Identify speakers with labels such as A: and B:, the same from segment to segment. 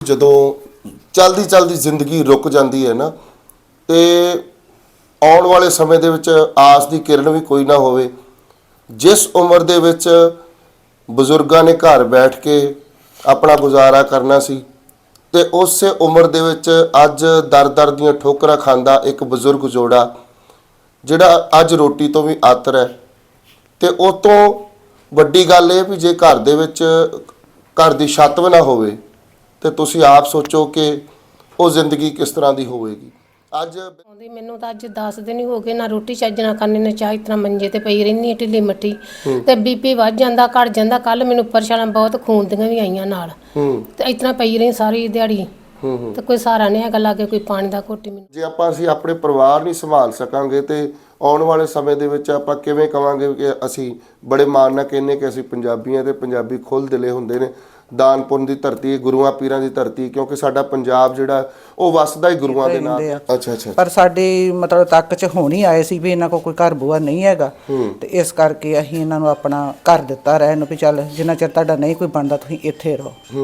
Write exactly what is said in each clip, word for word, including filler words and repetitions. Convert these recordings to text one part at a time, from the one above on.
A: ਜਦੋਂ ਚਲਦੀ ਚਲਦੀ ਜ਼ਿੰਦਗੀ ਰੁਕ ਜਾਂਦੀ ਹੈ ਨਾ ਤੇ ਆਉਣ ਵਾਲੇ ਸਮੇਂ ਦੇ ਵਿੱਚ ਆਸ ਦੀ ਕਿਰਨ ਵੀ ਕੋਈ ਨਾ ਹੋਵੇ। ਜਿਸ ਉਮਰ ਦੇ ਵਿੱਚ ਬਜ਼ੁਰਗਾਂ ਨੇ ਘਰ ਬੈਠ ਕੇ ਆਪਣਾ ਗੁਜ਼ਾਰਾ ਕਰਨਾ ਸੀ ਤੇ ਉਸੇ ਉਮਰ ਦੇ ਵਿੱਚ ਅੱਜ ਦਰ ਦਰ ਦੀਆਂ ਠੋਕਰਾਂ ਖਾਂਦਾ ਇੱਕ ਬਜ਼ੁਰਗ ਜੋੜਾ ਜਿਹੜਾ ਅੱਜ ਰੋਟੀ ਤੋਂ ਵੀ ਆਤਰ ਹੈ। ਤੇ ਉਸ ਤੋਂ ਵੱਡੀ ਗੱਲ ਇਹ ਵੀ ਜੇ ਘਰ ਦੇ ਵਿੱਚ ਘਰ ਦੀ ਛੱਤ ਵੀ ਨਾ ਹੋਵੇ ਤੇ ਤੁਸੀਂ ਆਪ ਸੋਚੋ ਕਿ ਉਹ ਜ਼ਿੰਦਗੀ ਕਿਸ ਤਰ੍ਹਾਂ ਦੀ ਹੋਵੇਗੀ। ਅੱਜ
B: ਆਉਂਦੀ ਮੈਨੂੰ ਤਾਂ ਅੱਜ ਦਸ ਦਿਨ ਹੀ ਹੋ ਗਏ, ਨਾ ਰੋਟੀ ਚੱਜ ਨਾਲ ਖਾਣੇ ਨੇ ਚਾਹ, ਇਸ ਤਰ੍ਹਾਂ ਮੰਜੇ ਤੇ ਪਈ ਰਹਿੰਦੀ ਢਿੱਲੀ ਮੱਠੀ ਤੇ ਬੀਪੀ ਵੱਧ ਜਾਂਦਾ ਘਟ ਜਾਂਦਾ। ਕੱਲ ਮੈਨੂੰ ਪਰੇਸ਼ਾਨਾਂ ਬਹੁਤ ਖੂਨ ਦੀਆਂ ਵੀ ਆਈਆਂ ਨਾਲ ਤੇ ਇਸ ਤਰ੍ਹਾਂ ਪਈ ਰਹੀ ਸਾਰੀ ਦਿਹਾੜੀ ਤੇ ਕੋਈ ਸਹਾਰਾ ਨਹੀਂ ਹੈਗਾ ਲਾਗੇ, ਕੋਈ ਪਾਣੀ ਦਾ ਘੁੱਟ ਮੈਨੂੰ।
A: ਜੇ ਆਪਾਂ ਅਸੀਂ ਆਪਣੇ ਪਰਿਵਾਰ ਨਹੀਂ ਸੰਭਾਲ ਸਕਾਂਗੇ ਤੇ ਆਉਣ ਵਾਲੇ ਸਮੇਂ ਦੇ ਵਿੱਚ ਆਪਾਂ ਕਿਵੇਂ ਕਵਾਂਗੇ ਕਿ ਅਸੀਂ ਬੜੇ ਮਾਣ ਨਾਲ ਕਹਿੰਦੇ ਕਿ ਅਸੀਂ ਪੰਜਾਬੀ ਹਾਂ ਤੇ ਪੰਜਾਬੀ ਖੁੱਲ੍ਹ ਦਿਲੇ ਹੁੰਦੇ ਨੇ। ਦਾਨ ਪੁੰਨ ਦੀ ਧਰਤੀ, ਗੁਰੂਆਂ ਪੀਰਾਂ ਦੀ ਧਰਤੀ, ਕਿਉਂਕਿ ਸਾਡਾ ਪੰਜਾਬ ਜਿਹੜਾ ਉਹ ਵਸਦਾ ਹੀ ਗੁਰੂਆਂ ਦੇ ਨਾਲ। ਅੱਛਾ ਅੱਛਾ।
C: ਪਰ ਸਾਡੀ ਮਤਲਬ ਤੱਕ ਚ ਹੁਣ ਹੀ ਆਏ ਸੀ ਵੀ ਇਹਨਾਂ ਕੋਲ ਕੋਈ ਘਰ ਬੂਆ ਨਹੀਂ ਹੈਗਾ ਤੇ ਇਸ ਕਰਕੇ ਅਸੀਂ ਇਹਨਾਂ ਨੂੰ ਆਪਣਾ ਘਰ ਦਿੱਤਾ ਰਹਿਣ ਨੂੰ ਵੀ ਚੱਲ ਜਿੰਨਾ ਚਿਰ ਤੁਹਾਡਾ ਨਹੀਂ ਕੋਈ ਬਣਦਾ ਤੁਸੀਂ ਇੱਥੇ ਰਹੋ।
A: ਹੂੰ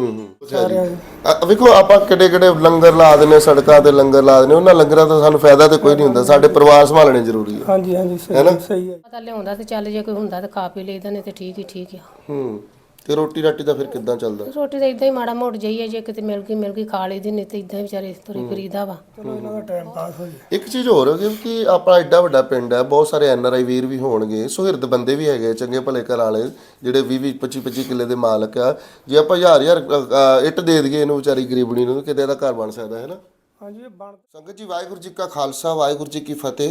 A: ਹੂੰ। ਵੇਖੋ ਆਪਾਂ ਕਿੱਡੇ ਕਿੱਡੇ ਲੰਗਰ ਲਾ ਦਿੰਦੇ, ਸੜਕਾਂ ਤੇ ਲੰਗਰ ਲਾ ਦਿੰਦੇ, ਉਹਨਾਂ ਲੰਗਰਾਂ ਤੋਂ ਸਾਨੂੰ ਫਾਇਦਾ ਤੇ ਕੋਈ ਨਹੀਂ ਹੁੰਦਾ। ਸਾਡੇ ਪਰਿਵਾਰ ਸੰਭਾਲਣੇ ਜ਼ਰੂਰੀ ਹੈ।
D: ਹਾਂਜੀ ਹਾਂਜੀ ਸਹੀ ਸਹੀ ਹੈ।
B: ਪਤਾ ਲਿਆਉਂਦਾ ਤੇ ਚੱਲ, ਜੇ ਕੋਈ ਹੁੰਦਾ ਤੇ ਖਾ ਪੀ ਲਈਦਾ, ਨਹੀਂ ਤੇ ਠੀਕ ਹੀ ਠੀਕ ਆ।
A: ਹੂੰ। ਤੇ ਰੋਟੀ ਰਾਟੀ ਦਾ ਫਿਰ ਕਿੱਦਾਂ ਚੱਲਦਾ?
B: ਰੋਟੀ ਤਾਂ ਇਦਾਂ ਹੀ ਮਾੜਾ ਮੋੜ ਜਾਈਏ, ਜੇ ਕਿਤੇ ਮਿਲ ਗਈ ਮਿਲ ਗਈ ਖਾ ਲਈਦੀ, ਨਹੀਂ ਤੇ ਇਦਾਂ ਵਿਚਾਰੇ ਤੁਰੀ ਫਿਰੀਦਾ ਵਾ।
D: ਚਲੋ ਇਹਨਾਂ ਦਾ ਟਾਈਮ ਪਾਸ ਹੋ ਜਾਏ।
A: ਇੱਕ ਚੀਜ਼ ਹੋਰ ਹੈ ਕਿ ਆਪਣਾ ਐਡਾ ਵੱਡਾ ਪਿੰਡ ਹੈ, ਬਹੁਤ ਸਾਰੇ ਐਨ ਆਰ ਆਈ ਵੀਰ ਵੀ ਹੋਣਗੇ, ਸੁਹਿਰਦ ਬੰਦੇ ਵੀ ਹੈਗੇ, ਚੰਗੇ ਭਲੇ ਘਰ ਵਾਲੇ ਜਿਹੜੇ ਵੀਹ ਵੀਹ ਪੱਚੀ ਪੱਚੀ ਕਿੱਲੇ ਦੇ ਮਾਲਕ ਆ। ਜੇ ਆਪਾਂ ਹਜ਼ਾਰ ਹਜ਼ਾਰ ਇੱਟ ਦੇ ਦਈਏ ਇਹਨੂੰ ਵਿਚਾਰੀ ਗਰੀਬਣੀ ਨੂੰ, ਕਿਤੇ ਇਹਦਾ ਘਰ ਬਣ ਸਕਦਾ ਹੈ ਨਾ।
D: ਹਾਂਜੀ ਇਹ ਬਣ
A: ਸੰਗਤ ਜੀ, ਵਾਹਿਗੁਰੂ ਜੀ ਕਾ ਖਾਲਸਾ, ਵਾਹਿਗੁਰੂ ਜੀ ਕੀ ਫਤਿਹ।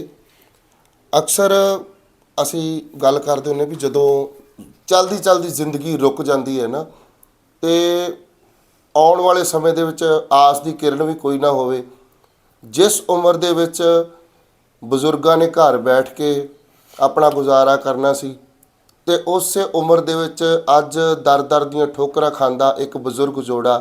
A: ਅਕਸਰ ਅਸੀਂ ਗੱਲ ਕਰਦੇ ਹੁੰਦੇ ਵੀ ਜਦੋਂ ਚਲਦੀ ਚਲਦੀ ਜ਼ਿੰਦਗੀ ਰੁਕ ਜਾਂਦੀ ਹੈ ਨਾ ਤੇ ਆਉਣ ਵਾਲੇ ਸਮੇਂ ਦੇ ਵਿੱਚ ਆਸ ਦੀ ਕਿਰਨ ਵੀ ਕੋਈ ਨਾ ਹੋਵੇ। ਜਿਸ ਉਮਰ ਦੇ ਵਿੱਚ ਬਜ਼ੁਰਗਾਂ ਨੇ ਘਰ ਬੈਠ ਕੇ ਆਪਣਾ ਗੁਜ਼ਾਰਾ ਕਰਨਾ ਸੀ ਤੇ ਉਸੇ ਉਮਰ ਦੇ ਵਿੱਚ ਅੱਜ ਦਰ ਦਰ ਦੀਆਂ ਠੋਕਰਾਂ ਖਾਂਦਾ ਇੱਕ ਬਜ਼ੁਰਗ ਜੋੜਾ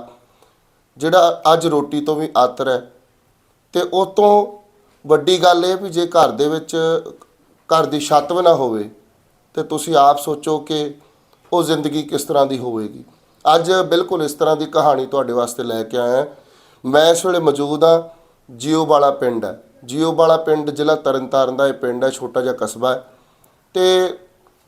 A: ਜਿਹੜਾ ਅੱਜ ਰੋਟੀ ਤੋਂ ਵੀ ਆਤਰ ਹੈ। ਤੇ ਉਸ ਤੋਂ ਵੱਡੀ ਗੱਲ ਇਹ ਵੀ ਜੇ ਘਰ ਦੇ ਵਿੱਚ ਘਰ ਦੀ ਛੱਤ ਵੀ ਨਾ ਹੋਵੇ ਤੇ ਤੁਸੀਂ ਆਪ ਸੋਚੋ ਕਿ ਉਹ ਜ਼ਿੰਦਗੀ ਕਿਸ ਤਰ੍ਹਾਂ ਦੀ ਹੋਵੇਗੀ। ਅੱਜ ਬਿਲਕੁਲ ਇਸ ਤਰ੍ਹਾਂ ਦੀ ਕਹਾਣੀ ਤੁਹਾਡੇ ਵਾਸਤੇ ਲੈ ਕੇ ਆਇਆ। ਮੈਂ ਇਸ ਵੇਲੇ ਮੌਜੂਦ ਹਾਂ ਜੀਓ ਵਾਲਾ ਪਿੰਡ ਹੈ। ਜੀਓ ਵਾਲਾ ਪਿੰਡ ਜ਼ਿਲ੍ਹਾ ਤਰਨਤਾਰਨ ਦਾ ਇਹ ਪਿੰਡ ਹੈ, ਛੋਟਾ ਜਿਹਾ ਕਸਬਾ ਹੈ ਤੇ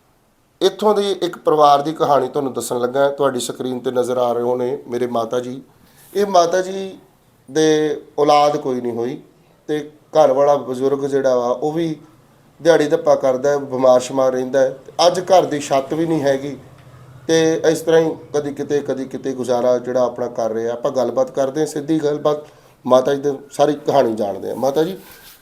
A: ਇੱਥੋਂ ਦੀ ਇੱਕ ਪਰਿਵਾਰ ਦੀ ਕਹਾਣੀ ਤੁਹਾਨੂੰ ਦੱਸਣ ਲੱਗਾ। ਤੁਹਾਡੀ ਸਕਰੀਨ ਤੇ ਨਜ਼ਰ ਆ ਰਹੇ ਹੋਣੇ ਮੇਰੇ ਮਾਤਾ ਜੀ। ਇਹ ਮਾਤਾ ਜੀ ਦੇ ਔਲਾਦ ਕੋਈ ਨਹੀਂ ਹੋਈ ਤੇ ਘਰ ਵਾਲਾ ਬਜ਼ੁਰਗ ਜਿਹੜਾ ਵਾ ਉਹ ਵੀ ਦਿਹਾੜੀ ਧੱਪਾ ਕਰਦਾ ਹੈ, ਬਿਮਾਰ ਸ਼ਮਾਰ ਰਹਿੰਦਾ ਹੈ। ਅੱਜ ਘਰ ਦੀ ਛੱਤ ਵੀ ਨਹੀਂ ਹੈਗੀ ਤੇ ਇਸ ਤਰ੍ਹਾਂ ਹੀ ਕਦੀ ਕਿਤੇ ਕਦੀ ਕਿਤੇ ਗੁਜ਼ਾਰਾ ਜਿਹੜਾ ਆਪਣਾ ਕਰ ਰਹੇ ਆ। ਆਪਾਂ ਗੱਲਬਾਤ ਕਰਦੇ ਹਾਂ, ਸਿੱਧੀ ਗੱਲਬਾਤ ਮਾਤਾ ਜੀ ਦੀ ਸਾਰੀ ਕਹਾਣੀ ਜਾਣਦੇ ਹਾਂ। ਮਾਤਾ ਜੀ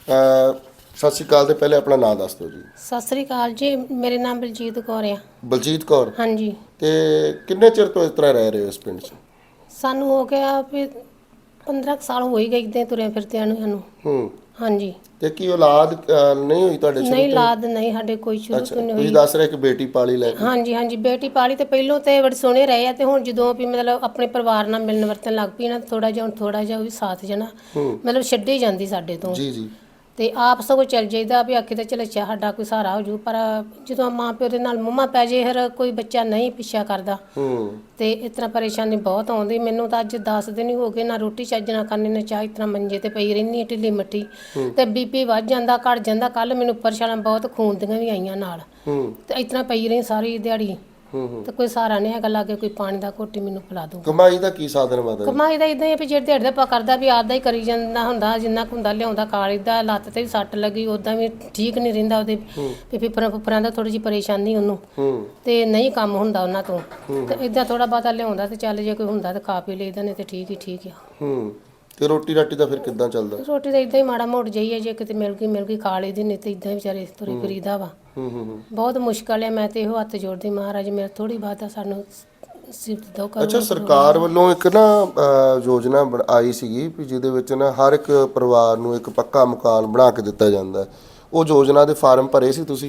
A: ਸਤਿ ਸ਼੍ਰੀ ਅਕਾਲ। ਤੇ ਪਹਿਲੇ ਆਪਣਾ ਨਾਮ ਦੱਸ ਦਿਓ ਜੀ।
B: ਸਤਿ ਸ੍ਰੀ ਅਕਾਲ ਜੀ, ਮੇਰੇ ਨਾਮ ਬਲਜੀਤ ਕੌਰ ਆ।
A: ਬਲਜੀਤ ਕੌਰ।
B: ਹਾਂਜੀ।
A: ਤੇ ਕਿੰਨੇ ਚਿਰ ਤੋਂ ਇਸ ਤਰ੍ਹਾਂ ਰਹਿ ਰਹੇ ਹੋ ਇਸ ਪਿੰਡ 'ਚ?
B: ਸਾਨੂੰ ਹੋ ਗਿਆ ਵੀ ਪੰਦਰਾਂ ਸਾਲ ਹੋ ਹੀ ਗਏ ਇੱਦਾਂ ਤੁਰਿਆ ਫਿਰਦਿਆਂ ਨੂੰ ਸਾਨੂੰ।
A: ਹੂੰ।
B: ਹਾਂਜੀ।
A: ਤੇ ਕੀ ਔਲਾਦ ਨਹੀਂ ਹੋਈ ਤੁਹਾਡੇ?
B: ਨਹੀਂ, ਔਲਾਦ ਨਹੀਂ ਸਾਡੇ ਕੋਈ ਸ਼ੁਰੂ ਤੋਂ ਨਹੀਂ ਹੋਈ।
A: ਤੁਸੀਂ ਦੱਸ ਰਹੇ ਕਿ ਬੇਟੀ ਪਾਲੀ ਲੈ ਕੇ?
B: ਹਾਂਜੀ ਹਾਂਜੀ, ਬੇਟੀ ਪਾਲੀ ਤੇ ਪਹਿਲੋਂ ਤੇ ਬੜੇ ਸੋਹਣੇ ਰਹੇ ਆ ਤੇ ਹੁਣ ਜਦੋਂ ਵੀ ਮਤਲਬ ਆਪਣੇ ਪਰਿਵਾਰ ਨਾਲ ਮਿਲਣ ਵਰਤਣ ਲੱਗ ਪਈ ਨਾ, ਥੋੜਾ ਜਿਹਾ ਹੁਣ ਥੋੜਾ ਜਿਹਾ ਵੀ ਸਾਥ ਜਣਾ ਮਤਲਬ ਛੱਡੇ ਜਾਂਦੀ ਸਾਡੇ ਤੋਂ। ਜੀ ਜੀ। ਤੇ ਆਪ ਸਗੋਂ ਚੱਲ ਜਾਈਦਾ ਵੀ ਆਖੇ ਤਾਂ ਚਲ ਅੱਛਾ ਸਾਡਾ ਕੋਈ ਸਹਾਰਾ ਹੋ ਜੂ, ਪਰ ਜਦੋਂ ਮਾਂ ਪਿਓ ਦੇ ਨਾਲ ਮੁੰਮਾ ਪੈ ਜੇ ਫਿਰ ਕੋਈ ਬੱਚਾ ਨਹੀਂ ਪਿੱਛਾ ਕਰਦਾ ਤੇ ਇਸ ਤਰ੍ਹਾਂ ਪਰੇਸ਼ਾਨੀ ਬਹੁਤ ਆਉਂਦੀ। ਮੈਨੂੰ ਤਾਂ ਅੱਜ ਦਸ ਦਿਨ ਹੀ ਹੋ ਗਏ, ਨਾ ਰੋਟੀ ਚੱਜ ਨਾਲ ਖਾਣੇ ਨੇ ਚਾਹ, ਇਸ ਤਰ੍ਹਾਂ ਮੰਜੇ ਤੇ ਪਈ ਰਹਿੰਦੀ ਢਿੱਲੀ ਮੱਠੀ ਤੇ ਬੀਪੀ ਵੱਧ ਜਾਂਦਾ ਘਟ ਜਾਂਦਾ। ਕੱਲ ਮੈਨੂੰ ਪਰੇਸ਼ਾਨਾਂ ਬਹੁਤ ਖੂਨ ਦੀਆਂ ਵੀ ਆਈਆਂ ਨਾਲ ਤੇ ਇਸ ਤਰ੍ਹਾਂ ਪਈ ਰਹੀ ਸਾਰੀ ਦਿਹਾੜੀ ਤੇ ਕੋਈ ਸਹਾਰਾ ਨਹੀਂ ਹੈਗਾ ਲਾਗੇ, ਕੋਈ ਪਾਣੀ ਦਾ ਘੁੱਟ ਮੈਨੂੰ ਪਿਲਾ ਦੂ।
A: ਕਮਾਈ ਦਾ ਕੀ ਸਾਧਨ ਮਾਤਾ? ਕਮਾਈ
B: ਦਾ ਇਦਾਂ ਹੀ ਵੀ ਜਿਹੜੇ ਦਿਹਾੜੀ ਦਾ ਪਾ ਕਰਦਾ ਵੀ ਆਦਾ ਹੀ ਕਰੀ ਜਾਂਦਾ ਹੁੰਦਾ, ਜਿੰਨਾ ਕੁ ਹੁੰਦਾ ਲਿਆਉਂਦਾ ਕਾਲੀ ਦਾ। ਲੱਤ ਤੇ ਵੀ ਸੱਟ ਲੱਗੀ, ਉਦਾਂ ਵੀ ਠੀਕ ਨਹੀਂ ਰਹਿੰਦਾ, ਉਹਦੇ ਫਿਫਰਾਂ ਫੁਫਰਾਂ ਦਾ ਥੋੜੀ ਜਿਹੀ ਪਰੇਸ਼ਾਨੀ ਉਹਨੂੰ ਤੇ ਨਹੀਂ ਕੰਮ ਹੁੰਦਾ ਉਹਨਾਂ ਤੋਂ ਤੇ ਇਦਾਂ ਥੋੜਾ ਬਹੁਤਾ ਲਿਆਉਂਦਾ ਤੇ ਚੱਲ, ਜੇ ਕੋਈ ਹੁੰਦਾ ਤੇ ਖਾ ਪੀ ਲਈਦਾ, ਨਹੀਂ ਤੇ ਠੀਕ ਹੀ ਠੀਕ ਆ।
A: ਤੇ ਰੋਟੀ ਰਾਟੀ ਦਾ ਫਿਰ ਕਿੱਦਾਂ ਚੱਲਦਾ?
B: ਰੋਟੀ ਤਾਂ ਇਦਾਂ ਹੀ ਮਾੜਾ ਮੋੜ ਜਾਈਏ, ਜੇ ਕਿਤੇ ਮਿਲ ਗਈ ਮਿਲ ਗਈ ਖਾ ਲਈਦੀ, ਨਹੀਂ ਤੇ ਇਦਾਂ ਹੀ ਵਿਚਾਰੇ ਤੁਰੀ ਫਿਰੀਦਾ ਵਾ। ਬਹੁਤ ਮੁਸ਼ਕਲ ਹੈ। ਮੈਂ ਤੇ ਇਹੋ ਹੱਥ ਜੋੜਦੀ ਮਹਾਰਾਜ ਮੇਰਾ ਥੋੜੀ ਬਾਤ ਆ ਸਾਨੂੰ ਸਿਫਤ ਦੋ ਕਰੋ।
A: ਅੱਛਾ, ਸਰਕਾਰ ਵੱਲੋਂ ਇੱਕ ਨਾ ਯੋਜਨਾ ਆਈ ਸੀਗੀ ਵੀ ਜਿਹਦੇ ਵਿੱਚ ਨਾ ਹਰ ਇੱਕ ਪਰਿਵਾਰ ਨੂੰ ਇੱਕ ਪੱਕਾ ਮਕਾਨ ਬਣਾ ਕੇ ਦਿੱਤਾ ਜਾਂਦਾ। ਉਹ ਯੋਜਨਾ ਦੇ ਫਾਰਮ ਭਰੇ ਸੀ ਤੁਸੀਂ?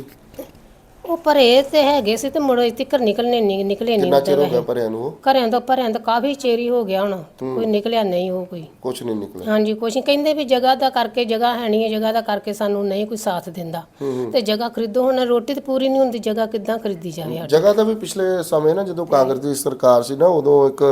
B: ਉਹ ਭਰੇ ਤੇ ਹੈਗੇ ਸੀ ਤੇ ਮੁੜ ਇੱਥੇ ਘਰ ਨਿਕਲਣੇ ਨਹੀਂ ਨਿਕਲੇ ਨਹੀਂ।
A: ਕਿੰਨਾ ਚਿਰ ਹੋ ਗਿਆ ਭਰਿਆਂ ਨੂੰ?
B: ਘਰਿਆਂ ਤੋਂ ਭਰਿਆਂ ਤੋਂ ਕਾਫੀ ਚੇਰੀ ਹੋ ਗਿਆ, ਹੁਣ ਕੋਈ ਨਿਕਲਿਆ ਨਹੀਂ। ਉਹ ਕੋਈ
A: ਕੁਛ ਨਹੀਂ ਨਿਕਲਿਆ? ਹਾਂਜੀ,
B: ਕੁਛ ਕਹਿੰਦੇ ਵੀ ਜਗ੍ਹਾ ਦਾ ਕਰਕੇ, ਜਗ੍ਹਾ ਹੈ ਨਹੀਂ ਹੈ, ਜਗ੍ਹਾ ਦਾ ਕਰਕੇ ਸਾਨੂੰ ਨਹੀਂ ਕੋਈ ਸਾਥ ਦਿੰਦਾ ਤੇ ਜਗ੍ਹਾ ਖਰੀਦੋ। ਹੁਣ ਰੋਟੀ ਤੇ ਪੂਰੀ ਨਹੀਂ ਹੁੰਦੀ, ਜਗ੍ਹਾ ਕਿੱਦਾਂ ਖਰੀਦੀ ਜਾਵੇ?
A: ਜਗ੍ਹਾ ਦਾ ਵੀ ਪਿਛਲੇ ਸਮੇਂ ਨਾ ਜਦੋਂ ਕਾਂਗਰਸ ਦੀ ਸਰਕਾਰ ਸੀ ਨਾ, ਉਦੋਂ ਇੱਕ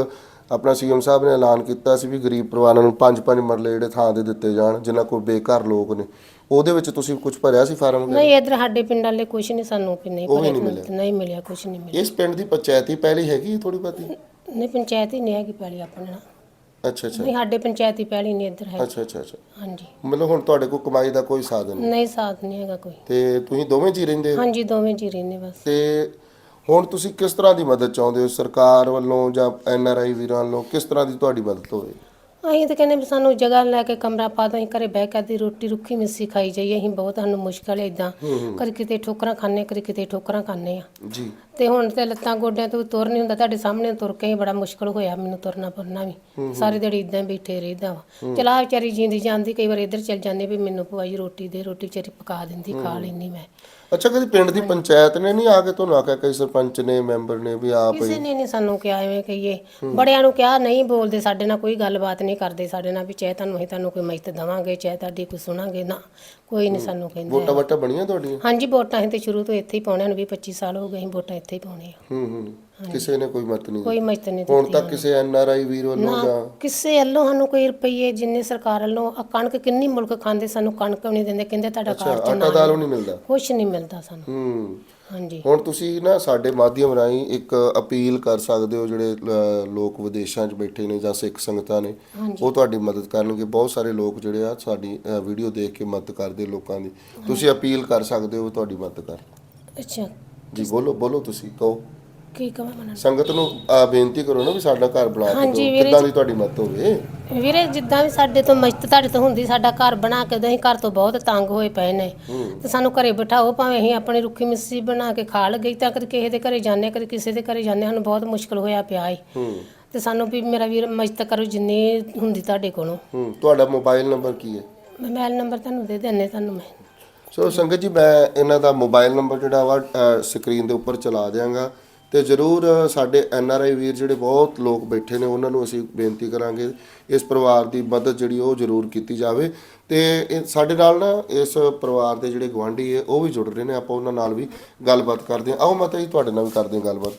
A: ਆਪਣਾ ਸੀਐਮ ਸਾਹਿਬ ਨੇ ਐਲਾਨ ਕੀਤਾ ਸੀ ਵੀ ਗਰੀਬ ਪਰਿਵਾਰਾਂ ਨੂੰ ਪੰਜ ਪੰਜ ਮਰਲੇ ਜਿਹੜੇ ਥਾਂ ਦੇ ਦਿੱਤੇ ਜਾਣ ਜਿਨ੍ਹਾਂ ਕੋਲ ਬੇਘਰ ਲੋਕ ਨੇ, ਉਹਦੇ ਵਿੱਚ ਤੁਸੀਂ ਕੁਝ ਭਰਿਆ ਸੀ ਫਾਰਮ?
B: ਨਹੀਂ ਇੱਧਰ ਸਾਡੇ ਪਿੰਡ ਵਾਲੇ ਕੁਝ ਨਹੀਂ ਸਾਨੂੰ ਵੀ ਨਹੀਂ
A: ਉਹ ਵੀ
B: ਭਰਿਆ,
A: ਨਹੀਂ ਮਿਲਿਆ?
B: ਨਹੀਂ ਮਿਲਿਆ, ਕੁਝ ਨਹੀਂ ਮਿਲਿਆ।
A: ਇਸ ਪਿੰਡ ਦੀ ਪੰਚਾਇਤੀ ਪਹਿਲੀ ਹੈਗੀ ਥੋੜੀ ਬਹੁਤੀ?
B: ਨਹੀਂ ਪੰਚਾਇਤ ਹੀ ਨਹੀਂ ਹੈਗੀ ਪਹਿਲੀ ਆਪਣੇ ਨਾਲ।
A: ਅੱਛਾ ਅੱਛਾ
B: ਨਹੀਂ ਸਾਡੇ ਪੰਚਾਇਤੀ ਪਹਿਲੀ ਨਹੀਂ ਇੱਧਰ ਹੈ।
A: ਅੱਛਾ ਅੱਛਾ ਅੱਛਾ
B: ਹਾਂਜੀ
A: ਮਤਲਬ ਹੁਣ ਤੁਹਾਡੇ ਕੋਲ ਕਮਾਈ ਦਾ ਕੋਈ ਸਾਧਨ ਨਹੀਂ?
B: ਨਹੀਂ ਸਾਥ ਨਹੀਂ ਹੈਗਾ ਕੋਈ।
A: ਤੇ ਤੁਸੀਂ ਦੋਵੇਂ ਜੀ ਰਹਿੰਦੇ ਹੋ?
B: ਹਾਂਜੀ ਦੋਵੇਂ ਜੀ ਰਹਿੰਦੇ ਬਸ।
A: ਤੇ ਹੁਣ ਤੁਸੀਂ ਕਿਸ ਤਰ੍ਹਾਂ ਦੀ ਮਦਦ ਚਾਹੁੰਦੇ ਹੋ ਸਰਕਾਰ ਵੱਲੋਂ ਜਾਂ ਐਨ ਆਰ ਆਈ ਵੀਰਾਂ ਵੱਲੋਂ? ਕਿਸ ਤਰ੍ਹਾਂ ਦੀ ਤੁਹਾਡੀ ਮਦਦ ਹੋਵੇ?
B: ਅਸੀਂ ਤਾਂ ਕਹਿੰਦੇ ਵੀ ਸਾਨੂੰ ਜਗ੍ਹਾ ਲੈ ਕੇ ਕਮਰਾ ਪਾ ਦੋ, ਅਸੀਂ ਘਰੇ ਬਹਿ ਕੇ ਦੀ ਰੋਟੀ ਰੁੱਖੀ ਮਿੱਸੀ ਖਾਈ ਜਾਈਏ। ਅਸੀਂ ਬਹੁਤ ਸਾਨੂੰ ਮੁਸ਼ਕਲ ਹੈ ਇਦਾਂ, ਕਦੇ ਕਿਤੇ ਠੋਕਰਾਂ ਖਾਂਦੇ, ਕਦੇ ਕਿਤੇ ਠੋਕਰਾਂ ਖਾਂਦੇ ਆ।
A: ਜੀ
B: ਤੇ ਹੁਣ ਤੇ ਲੱਤਾਂ ਗੋਡਿਆਂ ਤੋਂ ਤੁਰ ਨਹੀਂ ਹੁੰਦਾ, ਤੁਹਾਡੇ ਸਾਹਮਣੇ ਤੁਰ ਕੇ ਹੀ ਬੜਾ ਮੁਸ਼ਕਲ ਹੋਇਆ ਮੈਨੂੰ ਤੁਰਨਾ ਫਿਰਨਾ ਵੀ। ਸਾਰੀ ਦਿਹਾੜੀ ਇਦਾਂ ਬੈਠੇ ਰਹਿਦਾ ਵਾ। ਚਲਾ ਵਿਚਾਰੀ ਜਿੰਦੀ ਜਾਂਦੀ, ਕਈ ਵਾਰ ਇੱਧਰ ਚੱਲ ਜਾਂਦੀ ਵੀ ਮੈਨੂੰ ਭੂਆ ਜੀ ਰੋਟੀ ਦੇ, ਰੋਟੀ ਵਿਚਾਰੀ ਪਕਾ ਦਿੰਦੀ, ਖਾ ਲੈਂਦੀ ਮੈਂ।
A: ਅੱਛਾ ਕਦੀ ਪਿੰਡ ਦੀ ਪੰਚਾਇਤ ਨੇ ਨਹੀਂ ਆ ਕੇ ਤੁਹਾਨੂੰ ਆਖਿਆ, ਕਈ ਸਰਪੰਚ ਨੇ ਮੈਂਬਰ ਨੇ ਵੀ ਆਪ
B: ਕਿਸੇ ਨੇ ਨਹੀਂ ਸਾਨੂੰ ਕਿਹਾ ਐਵੇਂ ਕਹੀਏ, ਬੜਿਆਂ ਨੂੰ ਕਿਹਾ ਨਹੀਂ ਬੋਲਦੇ ਸਾਡੇ ਨਾਲ, ਕੋਈ ਗੱਲਬਾਤ ਨਹੀਂ ਕਰਦੇ ਸਾਡੇ ਨਾਲ ਵੀ ਚਾਹੇ ਤੁਹਾਨੂੰ ਅਸੀਂ ਤੁਹਾਨੂੰ ਕੋਈ ਮਦਦ ਦੇਵਾਂਗੇ, ਚਾਹੇ ਤੁਹਾਡੀ ਕੋਈ ਸੁਣਾਂਗੇ, ਨਾ ਕੋਈ ਨਹੀਂ ਸਾਨੂੰ ਕਹਿੰਦੇ।
A: ਵੋਟਾਂ ਵਟਾਂ ਬਣੀਆਂ ਤੁਹਾਡੀਆਂ?
B: ਹਾਂਜੀ ਵੋਟਾਂ ਅਸੀਂ ਤੇ ਸ਼ੁਰੂ ਤੋਂ ਇੱਥੇ ਹੀ ਪਾਉਣੇ ਹਨ, ਵੀਹ ਪੱਚੀ ਸਾਲ ਹੋ ਗਏ ਅਸੀਂ ਵੋਟਾਂ ਇੱਥੇ ਹੀ ਪਾਉਣੇ ਆ।
A: ਹੂੰ ਹੂੰ ਕਿਸੇ ਨੇ ਕੋਈ ਮਦਦ ਨਹੀਂ
B: ਕੋਈ ਮਦਦ ਨਹੀਂ
A: ਹੁਣ
B: ਦਿੱਤੀ
A: ਤੱਕ ਕਿਸੇ ਐਨ ਆਰ ਆਈ ਵੀਰ ਵੱਲੋਂ ਜਾਂ
B: ਕਿਸੇ ਵੱਲੋਂ ਸਾਨੂੰ ਕੋਈ ਰੁਪਈਏ ਜਿੰਨੇ ਸਰਕਾਰ ਵੱਲੋਂ ਆਹ ਕਣਕ ਕਿੰਨੀ ਮੁਲਕ ਖਾਂਦੇ, ਸਾਨੂੰ ਕਣਕ ਨਹੀਂ ਦਿੰਦੇ, ਕਹਿੰਦੇ ਤੁਹਾਡਾ ਕਾਰਡ ਚ
A: ਆਟਾ ਦਾਲ ਨਹੀਂ ਮਿਲਦਾ?
B: ਕੁਛ ਨਹੀਂ ਮਿਲਦਾ ਸਾਨੂੰ।
A: ਹੂੰ
B: ਹਾਂਜੀ
A: ਹੁਣ ਤੁਸੀਂ ਨਾ ਸਾਡੇ ਮਾਧਿਅਮ ਰਾਹੀਂ ਇੱਕ ਅਪੀਲ ਕਰ ਸਕਦੇ ਹੋ, ਜਿਹੜੇ ਅ, ਲੋਕ ਵਿਦੇਸ਼ਾਂ 'ਚ ਬੈਠੇ ਨੇ ਜਾਂ ਸਿੱਖ ਸੰਗਤਾਂ ਨੇ, ਉਹ ਤੁਹਾਡੀ ਮਦਦ ਕਰਨਗੇ। ਬਹੁਤ ਸਾਰੇ ਲੋਕ ਜਿਹੜੇ ਆ ਸਾਡੀ ਵੀਡੀਓ ਦੇਖ ਕੇ ਮਦਦ ਕਰਦੇ ਲੋਕਾਂ ਦੀ, ਤੁਸੀਂ ਅਪੀਲ ਕਰ ਸਕਦੇ ਹੋ ਤੁਹਾਡੀ ਮਦਦ ਕਰ।
B: ਅੱਛਾ
A: ਜੀ ਬੋਲੋ ਬੋਲੋ ਤੁਸੀਂ ਕਹੋ।
B: ਕੀ ਕਹਾਂ ਮੈਂ
A: ਸੰਗਤ ਨੂੰ ਅ, ਬੇਨਤੀ ਕਰੋ ਨਾ ਵੀ ਸਾਡਾ ਘਰ ਬਣਾ ਕੇ
B: ਹਾਂਜੀ
A: ਦਿਓ,
B: ਵੀਰੇ
A: ਕਿੱਦਾਂ ਦੀ ਤੁਹਾਡੀ ਮਦਦ ਹੋਵੇ।
B: ਵੀਰੇ ਜਿੱਦਾਂ ਵੀ ਸਾਡੇ ਤੋਂ ਮਦਦ ਤੁਹਾਡੇ ਤੋਂ ਹੁੰਦੀ, ਸਾਡਾ ਘਰ ਬਣਾ ਕੇ ਦਿਓ, ਅਸੀਂ ਘਰ ਤੋਂ ਬਹੁਤ ਤੰਗ ਹੋਏ ਪਏ ਨੇ ਤੇ ਸਾਨੂੰ ਘਰੇ ਬਿਠਾਓ, ਭਾਵੇਂ ਅਸੀਂ ਆਪਣੀ ਰੁੱਖੀ ਮਿੱਸੀ ਬਣਾ ਕੇ ਖਾ ਲਈਏ, ਤਾਂ ਕਦੇ ਕਿਸੇ ਦੇ ਘਰੇ ਜਾਂਦੇ, ਕਦੇ ਕਿਸੇ ਦੇ ਘਰੇ ਜਾਂਦੇ, ਸਾਨੂੰ ਬਹੁਤ ਮੁਸ਼ਕਲ ਹੋਇਆ ਪਿਆ ਹੈ। ਤੇ ਸਾਨੂੰ ਵੀ ਮੇਰਾ ਵੀਰ ਮਦਦ ਕਰੋ ਜਿੰਨੀ ਹੁੰਦੀ ਤੁਹਾਡੇ ਕੋਲੋਂ।
A: ਹੂੰ ਤੁਹਾਡਾ ਮੋਬਾਈਲ ਨੰਬਰ ਕੀ ਹੈ?
B: ਮੋਬਾਈਲ ਨੰਬਰ ਤੁਹਾਨੂੰ ਦੇ ਦਿੰਦੇ ਤੁਹਾਨੂੰ ਮੈਂ।
A: ਸੋ ਸੰਗਤ ਜੀ ਮੈਂ ਇਹਨਾਂ ਦਾ ਮੋਬਾਈਲ ਨੰਬਰ ਜਿਹੜਾ ਵਾ ਸਕਰੀਨ ਦੇ ਉੱਪਰ ਚਲਾ ਦਿਆਂਗਾ, ਤੇ ਜ਼ਰੂਰ ਸਾਡੇ ਐਨ ਆਰ ਆਈ ਵੀਰ ਜਿਹੜੇ ਬਹੁਤ ਲੋਕ ਬੈਠੇ ਨੇ ਉਹਨਾਂ ਨੂੰ ਅਸੀਂ ਬੇਨਤੀ ਕਰਾਂਗੇ ਇਸ ਪਰਿਵਾਰ ਦੀ ਮਦਦ ਜਿਹੜੀ ਉਹ ਜ਼ਰੂਰ ਕੀਤੀ ਜਾਵੇ। ਤੇ ਇਹ ਸਾਡੇ ਨਾਲ ਨਾ ਇਸ ਪਰਿਵਾਰ ਦੇ ਜਿਹੜੇ ਗੁਆਂਢੀ ਹੈ ਉਹ ਵੀ ਜੁੜ ਰਹੇ ਨੇ, ਆਪਾਂ ਉਹਨਾਂ ਨਾਲ ਵੀ ਗੱਲਬਾਤ ਕਰਦੇ ਹਾਂ। ਆਓ ਮਾਤਾ ਜੀ ਤੁਹਾਡੇ ਨਾਲ ਵੀ ਕਰਦੇ ਹਾਂ ਗੱਲਬਾਤ।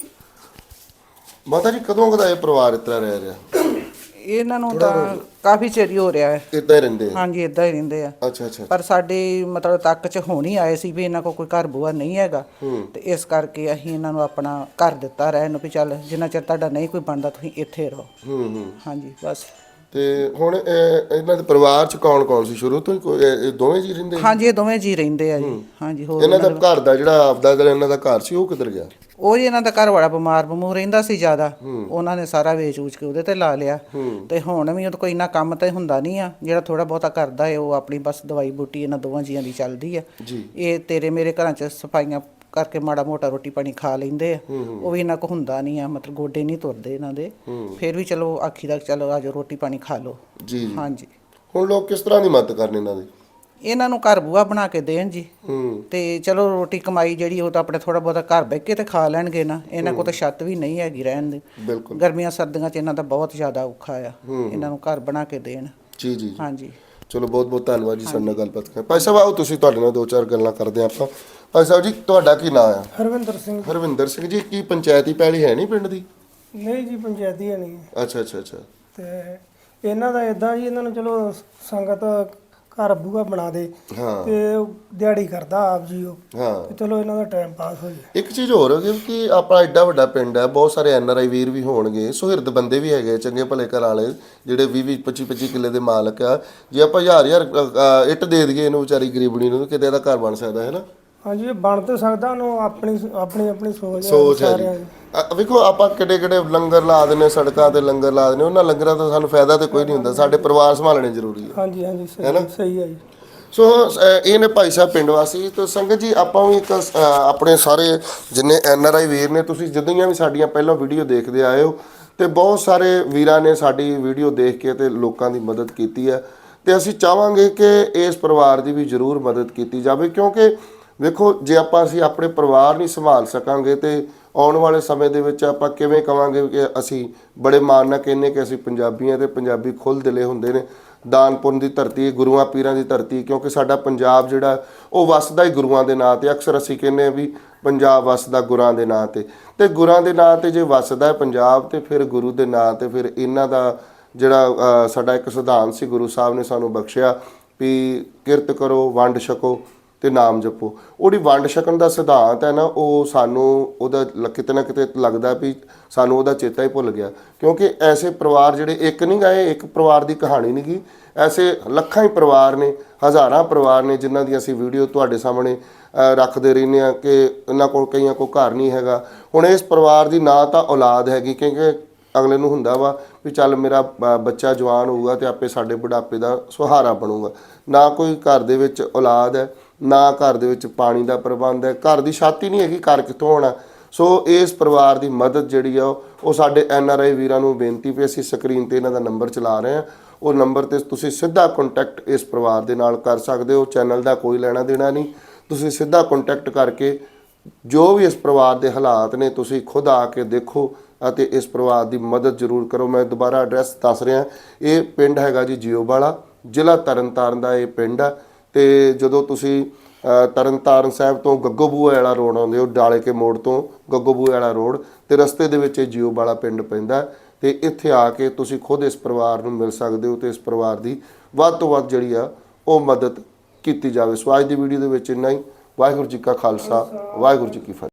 A: ਮਾਤਾ ਜੀ ਕਦੋਂ ਕਦਾ ਇਹ ਪਰਿਵਾਰ ਇਸ ਤਰ੍ਹਾਂ ਰਹਿ ਰਿਹਾ?
C: ਇਹਨਾਂ ਨੂੰ ਤਾਂ ਕਾਫੀ ਚਿਰ ਹੀ ਹੋ ਰਿਹਾ ਹੈ।
A: ਇਦਾਂ ਹੀ ਰਹਿੰਦੇ ਆ?
C: ਹਾਂਜੀ ਇਦਾਂ ਹੀ ਰਹਿੰਦੇ ਆ।
A: ਅੱਛਾ ਅੱਛਾ
C: ਪਰ ਸਾਡੇ ਮਤਲਬ ਤੱਕ ਚ ਹੁਣ ਹੀ ਆਏ ਸੀ ਵੀ ਇਹਨਾਂ ਕੋਲ ਕੋਈ ਘਰ ਬੂਆ ਨਹੀਂ ਹੈਗਾ, ਤੇ ਇਸ ਕਰਕੇ ਅਸੀਂ ਇਹਨਾਂ ਨੂੰ ਆਪਣਾ ਘਰ ਦਿੱਤਾ ਰਹਿਣ ਨੂੰ ਵੀ ਚੱਲ ਜਿੰਨਾ ਚਿਰ ਤੁਹਾਡਾ ਨਹੀਂ ਕੋਈ ਬਣਦਾ ਤੁਸੀਂ ਇੱਥੇ ਰਹੋ।
A: ਹੂੰ ਹੂੰ
C: ਹਾਂਜੀ ਬਸ।
A: ਤੇ ਹੁਣ ਇਹ- ਇਹਨਾਂ ਦੇ ਪਰਿਵਾਰ ਚ ਕੌਣ ਕੌਣ ਸੀ ਸ਼ੁਰੂ ਤੋਂ ਹੀ? ਕੋਈ ਇਹ ਇਹ ਦੋਵੇਂ ਜੀ ਰਹਿੰਦੇ?
C: ਹਾਂਜੀ ਇਹ ਦੋਵੇਂ ਜੀ ਰਹਿੰਦੇ ਆ ਜੀ। ਹਾਂਜੀ ਹੋਰ
A: ਇਹਨਾਂ ਦਾ ਘਰ ਦਾ ਜਿਹੜਾ ਆਪਦਾ ਜਿਹੜਾ ਇਹਨਾਂ ਦਾ ਘਰ ਸੀ ਉਹ ਕਿੱਧਰ ਗਿਆ?
C: ਉਹ ਜੀ ਇਹਨਾਂ ਦਾ ਘਰ ਵਾਲਾ ਬਿਮਾਰ ਬਮੂਰ ਰਹਿੰਦਾ ਸੀ ਜ਼ਿਆਦਾ, ਉਹਨਾਂ ਨੇ ਸਾਰਾ ਵੇਚ ਵੂਚ ਕੇ ਉਹਦੇ ਤੇ ਲਾ ਲਿਆ। ਤੇ ਹੁਣ ਵੀ ਉਹ ਕੋਈ ਇੰਨਾ ਕੰਮ ਤੇ ਹੁੰਦਾ ਨਹੀਂ ਆ, ਜਿਹੜਾ ਥੋੜਾ ਬਹੁਤਾ ਕਰਦਾ ਹੈ ਉਹ ਆਪਣੀ ਬਸ ਦਵਾਈ ਬੂਟੀ ਇਹਨਾਂ ਦੋਵਾਂ ਜੀਆਂ ਦੀ ਚੱਲਦੀ ਆ। ਇਹ ਤੇਰੇ ਮੇਰੇ ਘਰਾਂ 'ਚ ਸਫਾਈਆਂ ਕਰਕੇ ਮਾੜਾ ਮੋਟਾ ਰੋਟੀ ਪਾਣੀ ਖਾ ਲੈਂਦੇ ਆ, ਉਹ ਵੀ ਇਹਨਾਂ ਕੋ ਹੁੰਦਾ ਨਹੀਂ ਆ, ਮਤਲਬ ਗੋਡੇ ਨਹੀਂ ਤੁਰਦੇ ਇਹਨਾਂ ਦੇ। ਫਿਰ ਵੀ ਚਲੋ ਆਖੀ ਦਾ ਚਲੋ ਆਜੋ ਰੋਟੀ ਪਾਣੀ ਖਾ ਲਓ।
A: ਜੀ
C: ਹਾਂਜੀ
A: ਹੁਣ ਲੋਕ ਕਿਸ ਤਰ੍ਹਾਂ ਦੀ ਮਦਦ ਕਰਨ ਇਹਨਾਂ ਦੀ?
C: ਇਹਨਾਂ ਨੂੰ ਘਰ ਬੂਆ ਬਣਾ ਕੇ ਦੇਣ ਜੀ,
A: ਹੂੰ
C: ਤੇ ਚਲੋ ਰੋਟੀ ਕਮਾਈ ਜਿਹੜੀ ਉਹ ਤਾਂ ਆਪਣੇ ਥੋੜਾ ਬਹੁਤਾ ਘਰ ਬਹਿ ਕੇ ਤੇ ਖਾ ਲੈਣਗੇ ਨਾ। ਇਹਨਾਂ ਕੋਲ ਤਾਂ ਛੱਤ ਵੀ ਨਹੀਂ ਹੈਗੀ ਰਹਿਣ ਦੀ,
A: ਬਿਲਕੁਲ
C: ਗਰਮੀਆਂ ਸਰਦੀਆਂ 'ਚ ਇਹਨਾਂ ਦਾ ਬਹੁਤ ਜ਼ਿਆਦਾ ਔਖਾ ਆ। ਇਹਨਾਂ ਨੂੰ ਘਰ ਬਣਾ ਕੇ ਦੇਣ।
A: ਜੀ ਜੀ
C: ਹਾਂਜੀ
A: ਚਲੋ ਬਹੁਤ ਬਹੁਤ ਧੰਨਵਾਦ ਜੀ ਸਾਡੇ ਨਾਲ ਗੱਲਬਾਤ ਕਰ। ਭਾਈ ਸਾਹਿਬ ਆਓ ਤੁਸੀਂ ਤੁਹਾਡੇ ਨਾਲ ਦੋ ਚਾਰ ਗੱਲਾਂ ਕਰਦੇ ਆਪਾਂ। ਭਾਈ ਸਾਹਿਬ ਜੀ ਤੁਹਾਡਾ ਕੀ ਨਾਮ ਆ?
D: ਹਰਵਿੰਦਰ ਸਿੰਘ।
A: ਹਰਵਿੰਦਰ ਸਿੰਘ ਜੀ। ਕੀ ਪੰਚਾਇਤੀ ਪੈਲੀ ਹੈ ਨਹੀਂ ਪਿੰਡ ਦੀ?
D: ਨਹੀਂ ਜੀ ਪੰਚਾਇਤੀ ਹੈ ਨਹੀਂ।
A: ਅੱਛਾ ਅੱਛਾ ਅੱਛਾ
D: ਤੇ ਇਹਨਾਂ ਦਾ ਇਦਾਂ ਜੀ, ਇਹਨਾਂ ਨੂੰ ਚਲੋ ਸੰਗਤ ਘਰ ਬੂਆ ਬਣਾ ਦੇ
A: ਹਾਂ
D: ਤੇ ਉਹ ਦਿਹਾੜੀ ਕਰਦਾ ਆਪ ਜੀ ਉਹ,
A: ਹਾਂ
D: ਤੇ ਚਲੋ ਇਹਨਾਂ ਦਾ ਟਾਈਮ ਪਾਸ ਹੋ ਜਾਏ।
A: ਇੱਕ ਚੀਜ਼ ਹੋਰ ਹੈ ਕਿ ਆਪਣਾ ਐਡਾ ਵੱਡਾ ਪਿੰਡ ਹੈ, ਬਹੁਤ ਸਾਰੇ ਐਨ ਆਰ ਆਈ ਵੀਰ ਵੀ ਹੋਣਗੇ, ਸੁਹਿਰਦ ਬੰਦੇ ਵੀ ਹੈਗੇ, ਚੰਗੇ ਭਲੇ ਘਰ ਵਾਲੇ ਜਿਹੜੇ ਵੀਹ ਵੀਹ ਪੱਚੀ ਪੱਚੀ ਕਿੱਲੇ ਦੇ ਮਾਲਕ ਆ। ਜੇ ਆਪਾਂ ਹਜ਼ਾਰ ਹਜ਼ਾਰ ਅ, ਇੱਟ ਦੇ ਦਈਏ ਇਹਨੂੰ ਵਿਚਾਰੀ ਗਰੀਬਣੀ ਨੂੰ, ਕਿਤੇ ਇਹਦਾ ਘਰ ਬਣ ਸਕਦਾ ਹੈ ਨਾ?
D: ਹਾਂਜੀ ਇਹ ਬਣ ਤੇ ਸਕਦਾ, ਉਹਨੂੰ ਆਪਣੀ ਆਪਣੀ ਆਪਣੀ ਸੋਚ ਹੈ
A: ਸੋਚ ਹੈ
D: ਸਾਰਿਆਂ
A: ਜੀ।
D: ਦੀ।
A: ਅ, ਵੇਖੋ ਆਪਾਂ ਕਿੱਡੇ ਕਿੱਡੇ ਲੰਗਰ ਲਾ ਦਿੰਦੇ, ਸੜਕਾਂ ਤੇ ਲੰਗਰ ਲਾ ਦਿੰਦੇ, ਉਹਨਾਂ ਲੰਗਰਾਂ ਤੋਂ ਸਾਨੂੰ ਫਾਇਦਾ ਤੇ ਕੋਈ ਨਹੀਂ ਹੁੰਦਾ, ਸਾਡੇ ਪਰਿਵਾਰ ਸੰਭਾਲਣੇ ਜ਼ਰੂਰੀ ਹੈ।
D: ਹਾਂਜੀ ਹਾਂਜੀ ਸਹੀ ਸਹੀ ਹੈ ਜੀ।
A: ਸੋ ਅ, ਇਹ ਨੇ ਭਾਈ ਸਾਹਿਬ ਪਿੰਡ ਵਾਸੀ। ਤੇ ਸੰਗਤ ਜੀ ਆਪਾਂ ਵੀ ਇੱਕ ਅ, ਆਪਣੇ ਸਾਰੇ ਜਿੰਨੇ ਐਨ ਆਰ ਆਈ ਵੀਰ ਨੇ, ਤੁਸੀਂ ਜਿੱਦਾਂ ਵੀ ਸਾਡੀਆਂ ਪਹਿਲਾਂ ਵੀਡੀਓ ਦੇਖਦੇ ਆਏ ਹੋ, ਤੇ ਬਹੁਤ ਸਾਰੇ ਵੀਰਾਂ ਨੇ ਸਾਡੀ ਵੀਡੀਓ ਦੇਖ ਕੇ ਤੇ ਲੋਕਾਂ ਦੀ ਮਦਦ ਕੀਤੀ ਹੈ, ਤੇ ਅਸੀਂ ਚਾਹਾਂਗੇ ਕਿ ਇਸ ਪਰਿਵਾਰ ਦੀ ਵੀ ਜ਼ਰੂਰ ਮਦਦ ਕੀਤੀ ਜਾਵੇ। ਕਿਉਂਕਿ ਵੇਖੋ ਜੇ ਆਪਾਂ ਅਸੀਂ ਆਪਣੇ ਪਰਿਵਾਰ ਨਹੀਂ ਸੰਭਾਲ ਸਕਾਂਗੇ ਤੇ ਆਉਣ ਵਾਲੇ ਸਮੇਂ ਦੇ ਵਿੱਚ ਆਪਾਂ ਕਿਵੇਂ ਕਵਾਂਗੇ ਕਿ ਅਸੀਂ ਬੜੇ ਮਾਣ ਨਾਲ ਕਹਿੰਦੇ ਕਿ ਅਸੀਂ ਪੰਜਾਬੀ ਹਾਂ, ਤੇ ਪੰਜਾਬੀ ਖੁੱਲ੍ਹ ਦਿਲੇ ਹੁੰਦੇ ਨੇ। ਦਾਨ ਪੁੰਨ ਦੀ ਧਰਤੀ, ਗੁਰੂਆਂ ਪੀਰਾਂ ਦੀ ਧਰਤੀ, ਕਿਉਂਕਿ ਸਾਡਾ ਪੰਜਾਬ ਜਿਹੜਾ ਉਹ ਵਸਦਾ ਹੀ ਗੁਰੂਆਂ ਦੇ ਨਾਂ 'ਤੇ। ਅਕਸਰ ਅਸੀਂ ਕਹਿੰਦੇ ਹਾਂ ਵੀ ਪੰਜਾਬ ਵਸਦਾ ਗੁਰਾਂ ਦੇ ਨਾਂ ਤੇ ਤੇ ਗੁਰਾਂ ਦੇ ਨਾਂ ਤੇ ਜੇ ਵਸਦਾ ਹੈ ਪੰਜਾਬ ਤੇ ਫਿਰ ਗੁਰੂ ਦੇ ਨਾਂ ਤੇ ਫਿਰ ਇਹਨਾਂ ਦਾ ਜਿਹੜਾ ਅ, ਸਾਡਾ ਇੱਕ ਸਿਧਾਂਤ ਸੀ ਗੁਰੂ ਸਾਹਿਬ ਨੇ ਸਾਨੂੰ ਬਖਸ਼ਿਆ ਵੀ ਕਿਰਤ ਕਰੋ ਵੰਡ ਛਕੋ ਤੇ ਨਾਮ ਜਪੋ। ਉਹਦੀ ਵੰਡ ਛਕਣ ਦਾ ਸਿਧਾਂਤ ਹੈ ਨਾ ਉਹ ਸਾਨੂੰ ਉਹਦਾ ਲ- ਕਿਤੇ ਨਾ ਕਿਤੇ ਲੱਗਦਾ ਵੀ ਸਾਨੂੰ ਉਹਦਾ ਚੇਤਾ ਹੀ ਭੁੱਲ ਗਿਆ, ਕਿਉਂਕਿ ਐਸੇ ਪਰਿਵਾਰ ਜਿਹੜੇ ਇੱਕ ਨਹੀਂ ਗਏ, ਇੱਕ ਪਰਿਵਾਰ ਦੀ ਕਹਾਣੀ ਨਹੀਂ ਗੀ, ਐਸੇ ਲੱਖਾਂ ਹੀ ਪਰਿਵਾਰ ਨੇ, ਹਜ਼ਾਰਾਂ ਪਰਿਵਾਰ ਨੇ ਜਿਨ੍ਹਾਂ ਦੀ ਅਸੀਂ ਵੀਡੀਓ ਤੁਹਾਡੇ ਸਾਹਮਣੇ ਅ, ਰੱਖਦੇ ਰਹਿੰਦੇ ਹਾਂ ਕਿ ਇਹਨਾਂ ਕੋਲ ਕਈਆਂ ਕੋਲ ਘਰ ਨਹੀਂ ਹੈਗਾ। ਹੁਣ ਇਸ ਪਰਿਵਾਰ ਦੀ ਨਾ ਤਾਂ ਔਲਾਦ ਹੈਗੀ, ਕਿਉਂਕਿ ਅਗਲੇ ਨੂੰ ਹੁੰਦਾ ਵਾ ਵੀ ਚੱਲ ਮੇਰਾ ਬ- ਬੱਚਾ ਜਵਾਨ ਹੋਊਗਾ ਤੇ ਆਪੇ ਸਾਡੇ ਬੁਢਾਪੇ ਦਾ ਸਹਾਰਾ ਬਣੂਗਾ। ਨਾ ਕੋਈ ਘਰ ਦੇ ਵਿੱਚ ਔਲਾਦ ਹੈ, ਨਾ ਘਰ ਦੇ ਵਿੱਚ ਪਾਣੀ ਦਾ ਪ੍ਰਬੰਧ ਹੈ, ਘਰ ਦੀ ਛੱਤ ਹੀ ਨਹੀਂ ਹੈਗੀ, ਘਰ ਕਿੱਥੋਂ ਹੋਣਾ। ਸੋ ਇਸ ਪਰਿਵਾਰ ਦੀ ਮਦਦ ਜਿਹੜੀ ਆ ਉਹ ਸਾਡੇ ਐਨ ਆਰ ਆਈ ਵੀਰਾਂ ਨੂੰ ਬੇਨਤੀ ਵੀ ਅਸੀਂ ਸਕਰੀਨ ਤੇ ਇਹਨਾਂ ਦਾ ਨੰਬਰ ਚਲਾ ਰਹੇ ਹਾਂ, ਉਹ ਨੰਬਰ ਤੇ ਤੁਸੀਂ ਸਿੱਧਾ ਕੰਟੈਕਟ ਇਸ ਪਰਿਵਾਰ ਦੇ ਨਾਲ ਕਰ ਸਕਦੇ ਹੋ। ਚੈਨਲ ਦਾ ਕੋਈ ਲੈਣਾ ਦੇਣਾ ਨਹੀਂ, ਤੁਸੀਂ ਸਿੱਧਾ ਕੰਟੈਕਟ ਕਰਕੇ ਜੋ ਵੀ ਇਸ ਪਰਿਵਾਰ ਦੇ ਹਾਲਾਤ ਨੇ ਤੁਸੀਂ ਖੁਦ ਆ ਕੇ ਦੇਖੋ ਅਤੇ ਇਸ ਪਰਿਵਾਰ ਦੀ ਮਦਦ ਜ਼ਰੂਰ ਕਰੋ। ਮੈਂ ਦੁਬਾਰਾ ਐਡਰੈਸ ਦੱਸ ਰਿਹਾ, ਇਹ ਪਿੰਡ ਹੈਗਾ ਜੀ ਜਿਓਵਾਲਾ, ਜ਼ਿਲ੍ਹਾ ਤਰਨਤਾਰਨ ਦਾ ਇਹ ਪਿੰਡ ਆ। ਤੇ ਜਦੋਂ ਤੁਸੀਂ ਅ, ਤਰਨਤਾਰਨ ਸਾਹਿਬ ਤੋਂ ਗੱਗੋਬੂਏ ਵਾਲਾ ਰੋਡ ਆਉਂਦੇ ਹੋ, ਡਾਲੇ ਕੇ ਮੋੜ ਤੋਂ ਗੱਗੋਬੂਏ ਵਾਲਾ ਰੋਡ ਤੇ ਰਸਤੇ ਦੇ ਵਿੱਚ ਇਹ ਜਿਓਵਾਲਾ ਪਿੰਡ ਪੈਂਦਾ ਤੇ ਇੱਥੇ ਆ ਕੇ ਤੁਸੀਂ ਖੁਦ ਇਸ ਪਰਿਵਾਰ ਨੂੰ ਮਿਲ ਸਕਦੇ ਹੋ ਤੇ ਇਸ ਪਰਿਵਾਰ ਦੀ ਵੱਧ ਤੋਂ ਵੱਧ ਜਿਹੜੀ ਆ ਉਹ ਮਦਦ ਕੀਤੀ ਜਾਵੇ। ਸੋ ਅੱਜ ਦੀ ਵੀਡੀਓ ਦੇ ਵਿੱਚ ਇੰਨਾ ਹੀ। ਵਾਹਿਗੁਰੂ ਜੀ ਕਾ ਖਾਲਸਾ, ਵਾਹਿਗੁਰੂ ਜੀ ਕੀ ਫਤਿਹ।